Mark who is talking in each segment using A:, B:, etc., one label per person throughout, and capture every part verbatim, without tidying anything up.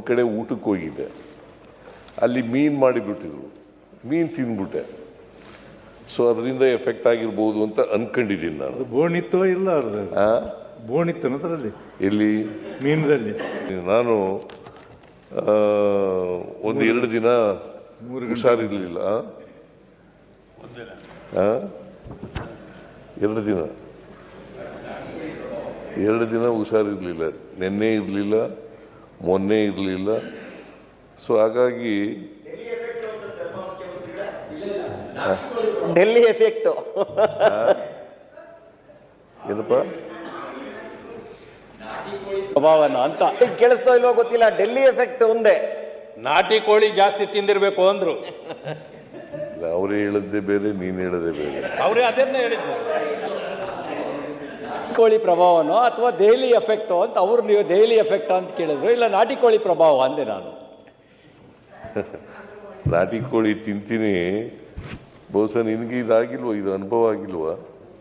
A: ಕಡೆ ಊಟಕ್ಕೆ ಹೋಗಿದ್ದೆ. ಅಲ್ಲಿ ಮೀನು ಮಾಡಿಬಿಟ್ಟಿದ್ರು, ಮೀನು ತಿಂದ್ಬಿಟ್ಟೆ. ಸೊ ಅದರಿಂದ ಎಫೆಕ್ಟ್ ಆಗಿರ್ಬೋದು ಅಂತ ಅನ್ಕೊಂಡಿದ್ದೀನಿ ನಾನು.
B: ಬೋಣಿತ್ತೋ ಇಲ್ಲ ಬೋಣಿತ್ತು ಅದರಲ್ಲಿ
A: ಎಲ್ಲಿ
B: ಮೀನದಲ್ಲಿ
A: ನಾನು ಒಂದು ಎರಡು ದಿನ ಹುಷಾರಿರ್ಲಿಲ್ಲ. ಎರಡು ದಿನ ಎರಡು ದಿನ ಹುಷಾರಿರ್ಲಿಲ್ಲ. ನಿನ್ನೆ ಇರಲಿಲ್ಲ, ಮೊನ್ನೆ ಇರಲಿಲ್ಲ. ಸೊ ಹಾಗಾಗಿ
C: ಡೆಲ್ಲಿ ಎಫೆಕ್ಟ್
A: ಏನಪ್ಪ
C: ಪ್ರಭಾವನ ಅಂತ ಕೇಳಿಸ್ತೋ ಇಲ್ವೋ ಗೊತ್ತಿಲ್ಲ. ಡೆಲ್ಲಿ ಎಫೆಕ್ಟ್ ಒಂದೇ.
D: ನಾಟಿ ಕೋಳಿ ಜಾಸ್ತಿ ತಿಂದಿರ್ಬೇಕು ಅಂದ್ರು.
A: ಅವರೇ ಹೇಳದ್ದೇ ಬೇರೆ, ನೀನು ಹೇಳದೇ ಬೇರೆ.
D: ಅವರೇ ಅದನ್ನೇ ಹೇಳಿದ್ರು.
C: ಕೋಳಿ ಪ್ರಭಾವನೋ ಅಥವಾ ದೆಹಲಿ ಎಫೆಕ್ಟೋ ಅಂತ ಅವ್ರು ನೀವು ದೆಹಲಿ ಎಫೆಕ್ಟ್ ಅಂತ ಕೇಳಿದ್ರು. ಇಲ್ಲ ನಾಟಿ ಕೋಳಿ ಪ್ರಭಾವ ಅಂದೆ ನಾನು.
A: ನಾಟಿ ಕೋಳಿ ತಿಂತೀನಿ, ಬಹುಶಃ ನಿನಗೆ ಇದಾಗಿಲ್ವ, ಇದು ಅನುಭವ ಆಗಿಲ್ವಾ?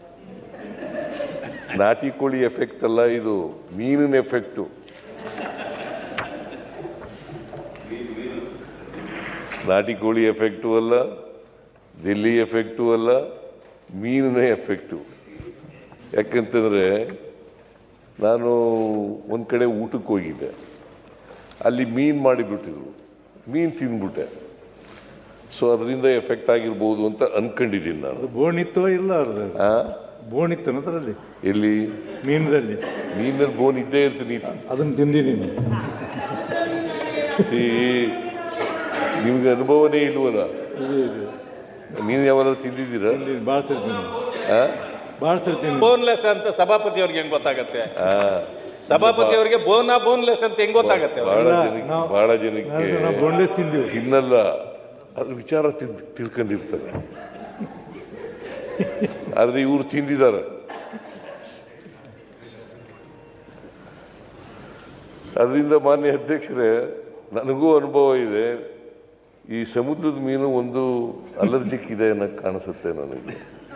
A: ನಾಟಿ ಕೋಳಿ ಎಫೆಕ್ಟ್ ಅಲ್ಲ, ಇದು ಮೀನಿನ ಎಫೆಕ್ಟು. ನಾಟಿ ಕೋಳಿ ಎಫೆಕ್ಟು ಅಲ್ಲ, ದಿಲ್ಲಿ ಎಫೆಕ್ಟು ಅಲ್ಲ, ಮೀನಿನ ಎಫೆಕ್ಟು. ಯಾಕಂತಂದರೆ ನಾನು ಒಂದು ಕಡೆ ಊಟಕ್ಕೆ ಹೋಗಿದ್ದೆ. ಅಲ್ಲಿ ಮೀನು ಮಾಡಿಬಿಟ್ಟಿದ್ರು, ಮೀನು ತಿಂದ್ಬಿಟ್ಟೆ. ಸೊ ಅದರಿಂದ ಎಫೆಕ್ಟ್ ಆಗಿರ್ಬೋದು ಅಂತ ಅನ್ಕೊಂಡಿದ್ದೀನಿ ನಾನು.
B: ಬೋಣಿತ್ತೋ ಇಲ್ಲ ಬೋಣಿತ್ತು ಅದರಲ್ಲಿ
A: ಎಲ್ಲಿ
B: ಮೀನದಲ್ಲಿ
A: ಮೀನಲ್ಲಿ ಬೋನ್ ಇದ್ದೇ ಇರ್ತೀನಿ.
B: ಅದನ್ನು ತಿಂದಿದ್ದೀನಿ.
A: ಸಿ ನಿಮ್ಗೆ ಅನುಭವನೇ ಇಲ್ವಲ್ಲ? ನೀನು ಯಾವಾಗ ತಿಂದಿದ್ದೀರಾ?
B: ಭಾಳ ತಿಂತೀನಿ ಭಾಳ ತಿಂತೀನಿ.
D: ಬೋನ್ಲೆಸ್ ಅಂತ ಸಭಾಪತಿ ಅವ್ರಿಗೆ ಹೆಂಗ್ ಗೊತ್ತಾಗತ್ತೆ? ಸಭಾಪತಿ ಅವರಿಗೆ ಬೋನಾ ಬೋನ್ಲೆಸ್ ಅಂತ ಹೆಂಗ್ ಗೊತ್ತಾಗತ್ತೆ?
A: ಬಹಳ ಜನಕ್ಕೆ ಬಹಳ ಜನಕ್ಕೆ
B: ಬೋನ್ಲೆಸ್ ತಿಂದಿವಿ
A: ತಿನ್ನಲ್ಲ, ಅದ್ರ ವಿಚಾರ ತಿಳ್ ತಿಳ್ಕೊಂಡಿರ್ತಾರೆ. ಆದ್ರೆ ಇವರು ತಿಂದಿದ್ದಾರೆ. ಅದರಿಂದ ಮಾನ್ಯ ಅಧ್ಯಕ್ಷರೇ, ನನಗೂ ಅನುಭವ ಇದೆ. ಈ ಸಮುದ್ರದ ಮೀನು ಒಂದು ಅಲರ್ಜಿಕ್ ಇದೆ ಅನ್ನೋಕ್ಕೆ ಕಾಣಿಸುತ್ತೆ ನನಗೆ.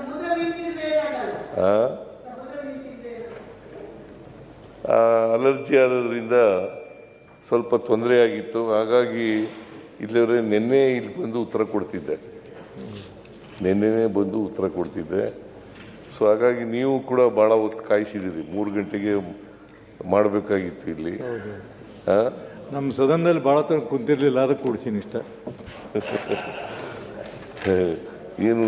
A: ಆ ಅಲರ್ಜಿ ಆಗೋದ್ರಿಂದ ಸ್ವಲ್ಪ ತೊಂದರೆ ಆಗಿತ್ತು. ಹಾಗಾಗಿ ಇಲ್ಲವರೆ ನಿನ್ನೆ ಇಲ್ಲಿ ಬಂದು ಉತ್ತರ ಕೊಡ್ತಿದ್ದೆ, ನಿನ್ನೆನೇ ಬಂದು ಉತ್ತರ ಕೊಡ್ತಿದ್ದೆ. ಸೊ ಹಾಗಾಗಿ ನೀವು ಕೂಡ ಭಾಳ ಹೊತ್ತು ಕಾಯಿಸಿದ್ದೀರಿ. ಮೂರು ಗಂಟೆಗೆ ಮಾಡಬೇಕಾಗಿತ್ತು ಇಲ್ಲಿ.
B: ನಮ್ಮ ಸದನದಲ್ಲಿ ಭಾಳ ತರ ಕುಂತಿರ್ಲಿಲ್ಲ, ಅದಕ್ಕೆ ಕೊಡ್ಸೀನಿ ಇಷ್ಟ.
A: ಏನು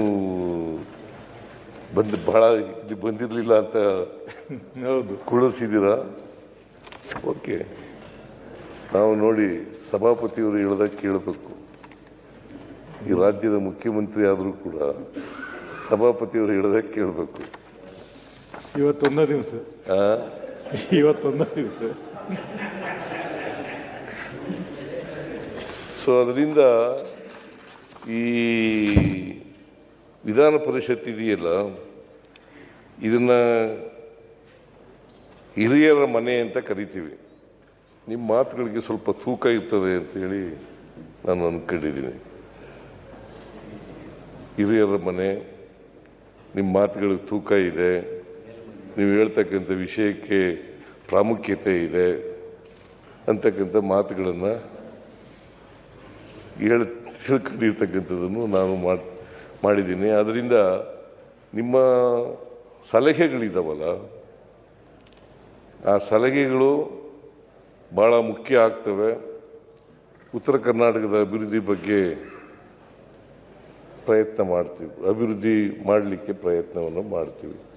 A: ಬಂದು ಭಾಳ ಇಲ್ಲಿ ಬಂದಿರಲಿಲ್ಲ ಅಂತ
B: ಹೌದು
A: ಕುಳಿಸಿದ್ದೀರಾ? ಓಕೆ, ನಾವು ನೋಡಿ ಸಭಾಪತಿಯವರು ಹೇಳ್ದಾಗ ಕೇಳಬೇಕು. ಈ ರಾಜ್ಯದ ಮುಖ್ಯಮಂತ್ರಿ ಆದರೂ ಕೂಡ ಸಭಾಪತಿಯವರು ಹೇಳ್ದಾಗ ಕೇಳಬೇಕು.
B: ಇವತ್ತೊಂದ ದಿವಸ ಇವತ್ತೊಂದ ದಿವಸ
A: ಸೊ ಅದರಿಂದ ಈ ವಿಧಾನ ಪರಿಷತ್ ಇದೆಯಲ್ಲ, ಇದನ್ನು ಹಿರಿಯರ ಮನೆ ಅಂತ ಕರಿತೀವಿ. ನಿಮ್ಮ ಮಾತುಗಳಿಗೆ ಸ್ವಲ್ಪ ತೂಕ ಇರ್ತದೆ ಅಂತೇಳಿ ನಾನು ಅಂದ್ಕೊಂಡಿದ್ದೀನಿ. ಹಿರಿಯರ ಮನೆ, ನಿಮ್ಮ ಮಾತುಗಳಿಗೆ ತೂಕ ಇದೆ, ನೀವು ಹೇಳ್ತಕ್ಕಂಥ ವಿಷಯಕ್ಕೆ ಪ್ರಾಮುಖ್ಯತೆ ಇದೆ ಅಂತಕ್ಕಂಥ ಮಾತುಗಳನ್ನು ಹೇಳಿ ತಿಳ್ಕೊಂಡಿರ್ತಕ್ಕಂಥದ್ದನ್ನು ನಾನು ಮಾಡಿ ಮಾಡಿದ್ದೀನಿ. ಅದರಿಂದ ನಿಮ್ಮ ಸಲಹೆಗಳಿದ್ದಾವಲ್ಲ, ಆ ಸಲಹೆಗಳು ಭಾಳ ಮುಖ್ಯ ಆಗ್ತವೆ. ಉತ್ತರ ಕರ್ನಾಟಕದ ಅಭಿವೃದ್ಧಿ ಬಗ್ಗೆ ಪ್ರಯತ್ನ ಮಾಡ್ತೀವಿ, ಅಭಿವೃದ್ಧಿ ಮಾಡಲಿಕ್ಕೆ ಪ್ರಯತ್ನವನ್ನು ಮಾಡ್ತೀವಿ.